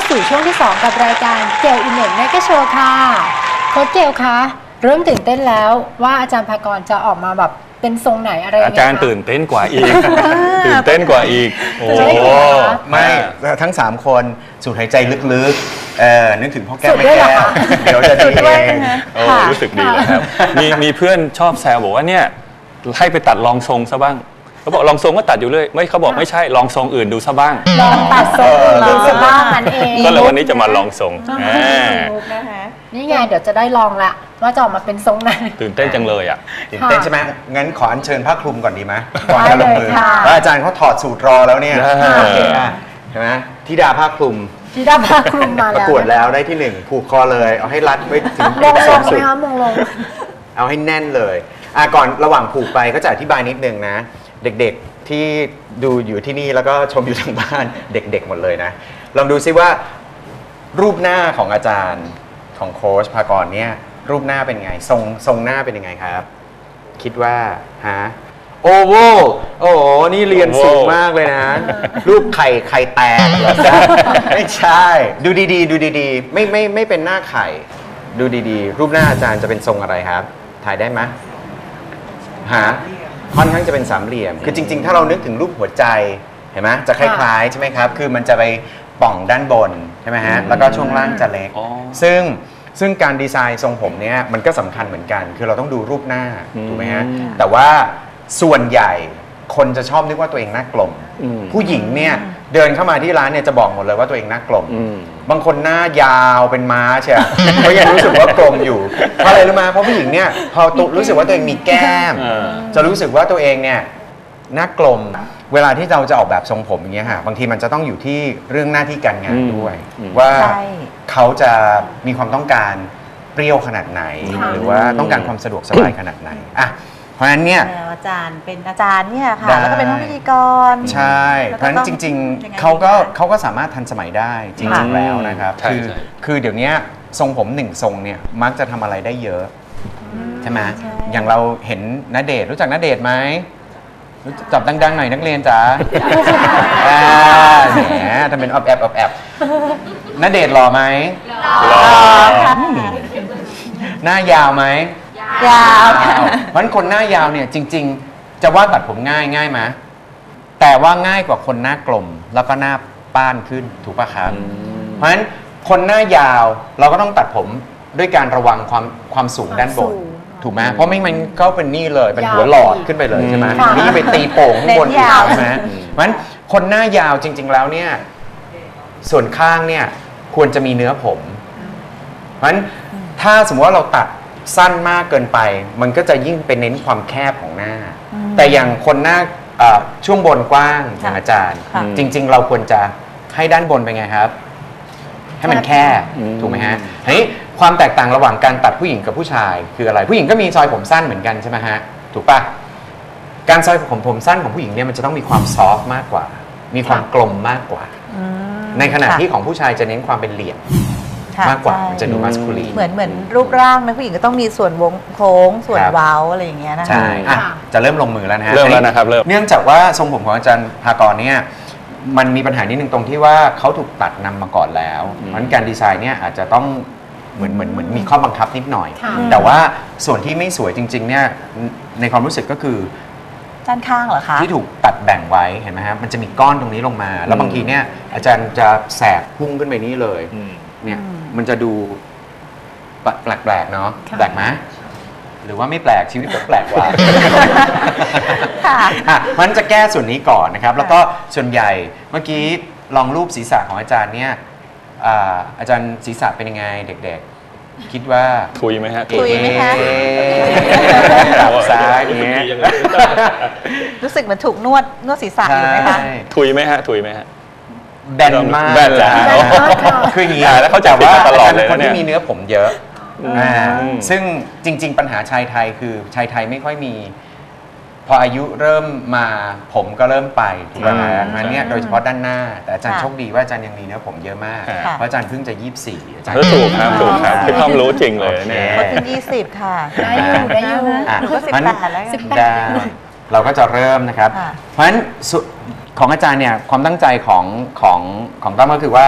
สู่ช่วงที่ 2กับรายการเกลอินเน็ตแมกโชว์ค่ะโค้ชเกลคะเริ่มตื่นเต้นแล้วว่าอาจารย์ภากรจะออกมาแบบเป็นทรงไหนอะไรอาจารย์ตื่นเต้นกว่าอีกตื่นเต้นกว่าอีกโอ้ไม่ทั้ง3คนสูดหายใจลึกๆนึกถึงพ่อแก้วแม่แก้วเดี๋ยวจะดีเองรู้สึกดีแล้วครับมีเพื่อนชอบแซวบอกว่าเนี่ยให้ไปตัดรองทรงซะบ้างเขาบอกลองทรงก็ตัดอยู่เลยไม่เขาบอกไม่ใช่ลองทรงอื่นดูซะบ้างลองตัดทรงอื่นดูซะบ้างนั่นเองก็เลยวันนี้จะมาลองทรงนี่ไงเดี๋ยวจะได้ลองละว่าจะออกมาเป็นทรงไหนตื่นเต้นจังเลยอ่ะตื่นเต้นใช่ไหมงั้นขออัญเชิญผ้าคลุมก่อนดีไหมก่อนจะลงมือว่าอาจารย์เขาถอดสูตรรอแล้วเนี่ยใช่ไหมธิดาผ้าคลุมธิดาผ้าคลุมมาแล้วประกวดแล้วได้ที่1ผูกคอเลยเอาให้รัดไว้ถึงมงลงไหมคะมงลงเอาให้แน่นเลยก่อนระหว่างผูกไปก็จะอธิบายนิดนึงนะเด็กๆที่ดูอยู่ที่นี่แล้วก็ชมอยู่ทางบ้านเด็กๆหมดเลยนะลองดูซิว่ารูปหน้าของอาจารย์ของโค้ชภากรเนี่ยรูปหน้าเป็นไงทรงหน้าเป็นยังไงครับคิดว่าฮะโอ้โหนี่เรียนสูงมากเลยนะรูปไข่แตกเหรอจ๊ะไม่ใช่ดูดีๆดูดีๆไม่เป็นหน้าไข่ดูดีๆรูปหน้าอาจารย์จะเป็นทรงอะไรครับถ่ายได้ไหมฮะค่อนข้างจะเป็นสามเหลี่ยมคือจริงๆถ้าเรานึกถึงรูปหัวใจเห็นไหมจะคล้ายๆใช่ไหมครับคือมันจะไปป่องด้านบนใช่ไหมฮะแล้วก็ช่วงล่างจะเล็กซึ่งการดีไซน์ทรงผมเนี่ยมันก็สำคัญเหมือนกันคือเราต้องดูรูปหน้าถูกไหมฮะแต่ว่าส่วนใหญ่คนจะชอบนึกว่าตัวเองหน้ากลมผู้หญิงเนี่ยเดินเข้ามาที่ร้านเนี่ยจะบอกหมดเลยว่าตัวเองหน้ากลมบางคนหน้ายาวเป็นม้าใช่ไหมเขายังรู้สึกว่ากลมอยู่เพราะอะไรรู้ไหมเพราะผู้หญิงเนี่ยพอรู้สึกว่าตัวเองมีแก้มจะรู้สึกว่าตัวเองเนี่ยหน้ากลมเวลาที่เราจะออกแบบทรงผมอย่างเงี้ยฮะบางทีมันจะต้องอยู่ที่เรื่องหน้าที่การงานด้วยว่าเขาจะมีความต้องการเปรี้ยวขนาดไหนหรือว่าต้องการความสะดวกสบายขนาดไหนอ่ะเพราะฉะนั้นเนี่ยอาจารย์เป็นอาจารย์เนี่ยค่ะแล้วก็เป็นพิธีกรใช่เพราะฉะนั้นจริงๆเขาก็สามารถทันสมัยได้จริงๆแล้วนะครับคือเดี๋ยวนี้ทรงผม1ทรงเนี่ยมักจะทำอะไรได้เยอะใช่ไหมอย่างเราเห็นณเดชน์รู้จักณเดชน์ไหมจับดังๆหน่อยนักเรียนจ๋าแหมทำเป็นอบแอบณเดชน์หล่อไหมหล่อหน้ายาวไหมยาวเพราะฉะนั้นคนหน้ายาวเนี่ยจริงๆจะว่าตัดผมง่ายไหมแต่ว่าง่ายกว่าคนหน้ากลมแล้วก็หน้าป้านขึ้นถูกป่ะครับเพราะฉะนั้นคนหน้ายาวเราก็ต้องตัดผมด้วยการระวังความสูงด้านบนถูกไหมเพราะไม่มันก็เป็นนี่เลยเป็นหัวหลอดขึ้นไปเลยใช่ไหมนี่ไปตีโป่งข้างบนอีกใช่ไหมเพราะฉะนั้นคนหน้ายาวจริงๆแล้วเนี่ยส่วนข้างเนี่ยควรจะมีเนื้อผมเพราะฉะนั้นถ้าสมมติว่าเราตัดสั้นมากเกินไปมันก็จะยิ่งเป็นเน้นความแคบของหน้าแต่อย่างคนหน้าช่วงบนกว้างอย่างอาจารย์จริงๆเราควรจะให้ด้านบนเป็นไงครับให้มันแคบถูกไหมฮะทีนี้ความแตกต่างระหว่างการตัดผู้หญิงกับผู้ชายคืออะไรผู้หญิงก็มีซอยผมสั้นเหมือนกันใช่ไหมฮะถูกปะการซอยผมสั้นของผู้หญิงเนี่ยมันจะต้องมีความซอฟต์มากกว่ามีความกลมมากกว่าในขณะที่ของผู้ชายจะเน้นความเป็นเหลี่ยมมากกว่ามันจะดูมัสคูลีนเหมือนรูปร่างนะผู้หญิงก็ต้องมีส่วนวงโค้งส่วนเว้าอะไรอย่างเงี้ยนะคะใช่จะเริ่มลงมือแล้วนะฮะเริ่มแล้วนะครับเนื่องจากว่าทรงผมของอาจารย์ภากรเนี่ยมันมีปัญหานิดนึงตรงที่ว่าเขาถูกตัดนำมาก่อนแล้วเพราะฉะนั้นการดีไซน์เนี่ยอาจจะต้องเหมือนมีข้อบังคับนิดหน่อยแต่ว่าส่วนที่ไม่สวยจริงๆเนี่ยในความรู้สึกก็คือด้านข้างเหรอคะที่ถูกตัดแบ่งไว้เห็นไหมฮะมันจะมีก้อนตรงนี้ลงมาแล้วบางทีเนี่ยอาจารย์จะแสกพุ่งขึ้นไปนี่เลยเนี่ยมันจะดูแปลกๆเนาะแปลกไหมหรือว่าไม่แปลกชีวิตก็แปลกกว่ามันจะแก้ส่วนนี้ก่อนนะครับแล้วก็ส่วนใหญ่เมื่อกี้ลองรูปศีรษะของอาจารย์เนี่ยอาจารย์ศีรษะเป็นยังไงเด็กๆคิดว่าทุยไหมฮะทุยไหมคะตับซ้ายอย่างเงี้ยรู้สึกเหมือนถูกนวดศีรษะอยู่ไหมคะทุยไหมฮะทุยไหมฮะแบนมากแบนแล้วคืออย่างนี้แล้วเขาจะว่าตลอดเลยคนที่มีเนื้อผมเยอะซึ่งจริงๆปัญหาชายไทยคือชายไทยไม่ค่อยมีพออายุเริ่มมาผมก็เริ่มไปถูกไหมงั้นเนี่ยโดยเฉพาะด้านหน้าแต่อาจารย์โชคดีว่าอาจารย์ยังมีเนื้อผมเยอะมากเพราะอาจารย์เพิ่งจะ24อาจารย์ถูกครับคือความรู้จริงเลยเนี่ยคนที่20ค่ะได้อยู่ก็18แล้วเราก็จะเริ่มนะครับเพราะฉะนั้นของอาจารย์เนี่ยความตั้งใจของตั้มก็คือว่า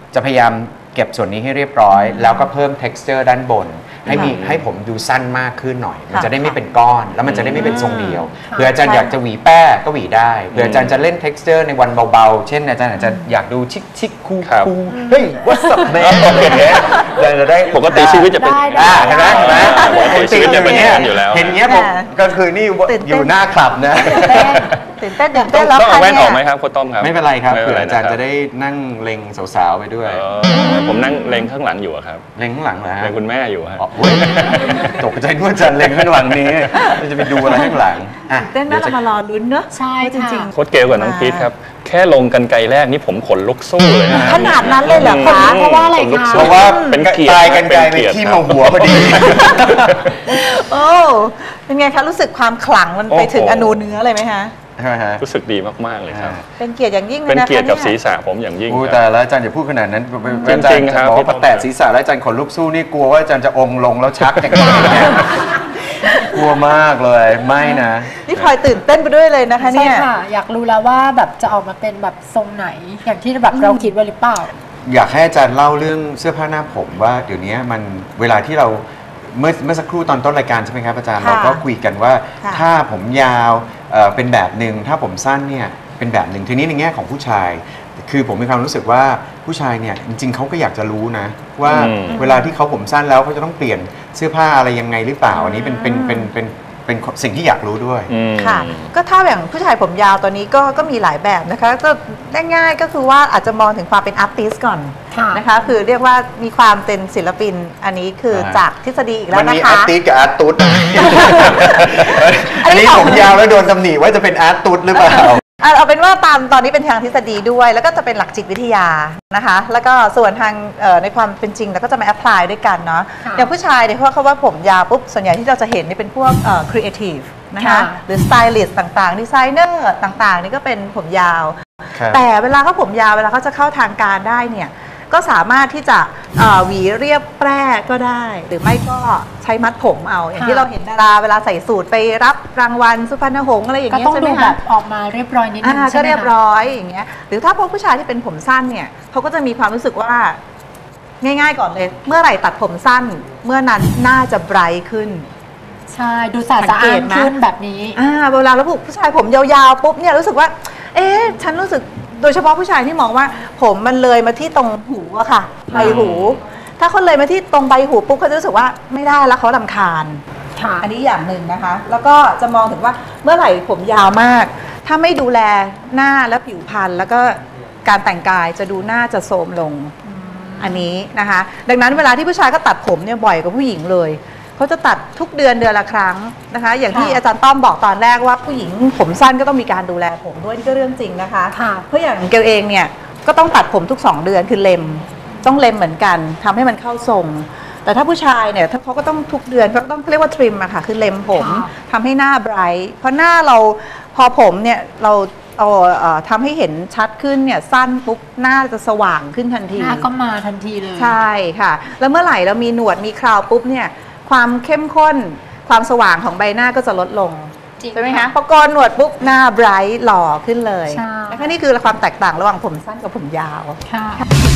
จะพยายามเก็บส่วนนี้ให้เรียบร้อย แล้วก็เพิ่ม texture ด้านบน ให้ผมดูสั้นมากขึ้นหน่อย มันจะได้ไม่เป็นก้อน แล้วมันจะได้ไม่เป็นทรงเดียวเผื่ออาจารย์อยากจะหวีแป้ก็หวีได้เผื่ออาจารย์จะเล่น texture ในวันเบาๆเช่นอาจารย์อาจจะอยากดูชิคๆคูลๆเฮ้ย what's up man อย่างเงี้ยจะได้ปกติชีวิตจะเป็นเห็นไหมปกติชีวิตจะเป็นอย่างนั้นอยู่แล้วเห็นเงี้ยผมก็คือนี่อยู่หน้าคลับนะตื่นเต้นแล้วต้องเอาค่ะแว่นออกไหมเนี่ยครับโค้ชต้อมครับไม่เป็นไรครับไม่เผื่ป็นอไรอาจารย์คบจะได้นั่งเล็งสาวๆไปด้วยผมนั่งเล็งข้างหลังอยู่อะครับเล็งข้างหลังเหรอฮะเล็งคุณแม่อยู่ฮะอ๋อเว้ยตกใจนึกว่าอาจารย์เล็งข้างหลังนี้จะไปดูอะไรข้างหลังอ่ะเต้นน่าจะมารอลุ้นเนอะใช่จริงโค้ชเกลกับน้องพีทครับ แค่ลงกันไกลแรกนี่ผมขนลุกสู้เลยนะขนาดนั้นเลยเหรอคะเพราะว่าอะไรขนลุกคะสู้เพราะว่าเป็นเกียรติตายกันไกลไปเป็นเกียรติที่ครัมาบหัวพอดีโอ้เป็นไงคะรู้สึกความขลังมันไปถึงอนูเนื้อเลยไหมคะใช่ไหมฮะรู้สึกดีมากๆเลยครับเป็นเกียรติอย่างยิ่งเลยเป็นนะคะเกียรติกับนี่ศีรษะผมอย่างยิ่งอู้ครับแต่แล้วอาจารย์อย่าพูดขนาดนั้นจริงๆครับบอกว่าพอแตะศีรษะแล้วอาจารย์ขนลุกสู้นี่กลัวว่าอาจารย์จะองค์ลงแล้วชักอย่างนี้เนี่ยกลัวมากเลยไม่นะนี่พลอยตื่นเต้นไปด้วยเลยนะคะใช่เนี่ยค่ะ อยากรู้แล้วว่าแบบจะออกมาเป็นแบบทรงไหน อย่างที่แบบเราคิดไว้หรือเปล่าอยากให้อาจารย์เล่าเรื่องเสื้อผ้าหน้าผมว่าเดี๋ยวนี้มันเวลาที่เราเมื่อสักครู่ตอนต้นรายการใช่ไหมครับอาจารย์ค่ะเราก็คุยกันว่าค่ะถ้าผมยาวเป็นแบบหนึ่งถ้าผมสั้นเนี่ยเป็นแบบหนึ่งทีนี้ในแง่ของผู้ชาย คือผมมีความรู้สึกว่าผู้ชายเนี่ยจริงๆเขาก็อยากจะรู้นะว่าเวลาที่เขาผมสั้นแล้วเขาจะต้องเปลี่ยนเสื้อผ้าอะไรยังไงหรือเปล่าอันนี้เป็นสิ่งที่อยากรู้ด้วยค่ะ ก็ถ้าอย่างผู้ชายผมยาวตอนนี้ก็มีหลายแบบนะคะก็ง่ายๆก็คือว่าอาจจะมองถึงความเป็นอาร์ติสก่อนค่ะนะคะคือเรียกว่ามีความเป็นศิลปินอันนี้คือจากทฤษฎีอีกแล้มัวน นะมีคะอาร์ติสกับอาร์ตุสนะอันนี้อันนี้ผมยาวแล้วโดนตำหนิว่าจะเป็นอาร์ตุสหรือเปล่าเอาเป็นว่าตอนนี้เป็นทางทฤษฎีด้วย แล้วก็จะเป็นหลักจิตวิทยานะคะ แล้วก็ส่วนทางในความเป็นจริงเราก็จะมาแอพพลายด้วยกันเนาะค่ะอย่างผู้ชายเนี่ยเพราะเขาว่าผมยาวปุ๊บส่วนใหญ่ที่เราจะเห็นนี่เป็นพวกครีเอทีฟนะคะค่ะหรือสไตลิสต์ต่างๆดีไซเนอร์ต่างๆนี่ก็เป็นผมยาวครับแต่เวลาเขาผมยาวเวลาเขาจะเข้าทางการได้เนี่ยก็สามารถที่จะหวีเรียบแปร่ก็ได้ หรือไม่ก็ใช้มัดผมเอา อย่างที่เราเห็นดาราเวลาใส่สูทไปรับรางวัลสุพรรณหงส์อะไรอย่างก็เงี้ยต้องใช่ไหดูมแบคะบออกมาเรียบร้อยนิดนึงใช่ก็ไหมเรียบคะร้อยอย่างเงี้ยหรือถ้าพวกผู้ชายที่เป็นผมสั้นเนี่ยเขาก็จะมีความรู้สึกว่าง่ายๆก่อนเลย เมื่อไหร่ตัดผมสั้น เมื่อนั้นน่าจะไบรท์ขึ้นใช่ ดูสะอาดสะอ้านขึ้นแบบนี้เวลาเราผู้ชายผมยาวๆปุ๊บเนี่ยรู้สึกว่า ฉันรู้สึกโดยเฉพาะผู้ชายที่มองว่า ผมมันเลยมาที่ตรงหูอะค่ะใบหู ถ้าเขาเลยมาที่ตรงใบหูปุ๊บเขาจะรู้สึกว่าไม่ได้แล้วเขารำคาญค่ะอันนี้อย่างหนึ่งนะคะ แล้วก็จะมองถึงว่าเมื่อไหร่ผมยาวมาก ถ้าไม่ดูแลหน้าและผิวพรรณแล้วก็การแต่งกายจะดูหน้าจะโทรมลงอันนี้นะคะ ดังนั้นเวลาที่ผู้ชายก็ตัดผมเนี่ยบ่อยกว่าผู้หญิงเลยเขาจะตัดทุกเดือนละครั้งนะคะ อย่างที่ค่ะอาจารย์ต้อมบอกตอนแรกว่าผู้หญิงผมสั้นก็ต้องมีการดูแลผมด้วยนี่ก็เรื่องจริงนะคะค่ะเพราะอย่างเกลเองเนี่ยก็ต้องตัดผมทุก2 เดือนคือเล็มต้องเล็มเหมือนกันทำให้มันเข้าทรง แต่ถ้าผู้ชายเนี่ยถ้าเขาก็ต้องทุกเดือนเขาต้องเรียกว่าทริมอะค่ะคือเล็มผมค่ะทำให้หน้าไบรท์เพราะหน้าเราพอผมเนี่ยเราทำให้เห็นชัดขึ้นเนี่ยสั้นปุ๊บหน้าจะสว่างขึ้นทันทีหน้าก็มาทันทีเลยใช่ค่ะ แล้วเมื่อไหร่เรามีหนวดมีเคราวปุ๊บเนี่ยความเข้มข้นความสว่างของใบหน้าก็จะลดลงจริงใช่ไหมค่ะคะพอโกนหนวดปุ๊บหน้าไบรท์หล่อขึ้นเลยใช่นะคะนี่คือความแตกต่างระหว่างผมสั้นกับผมยาวค่ะ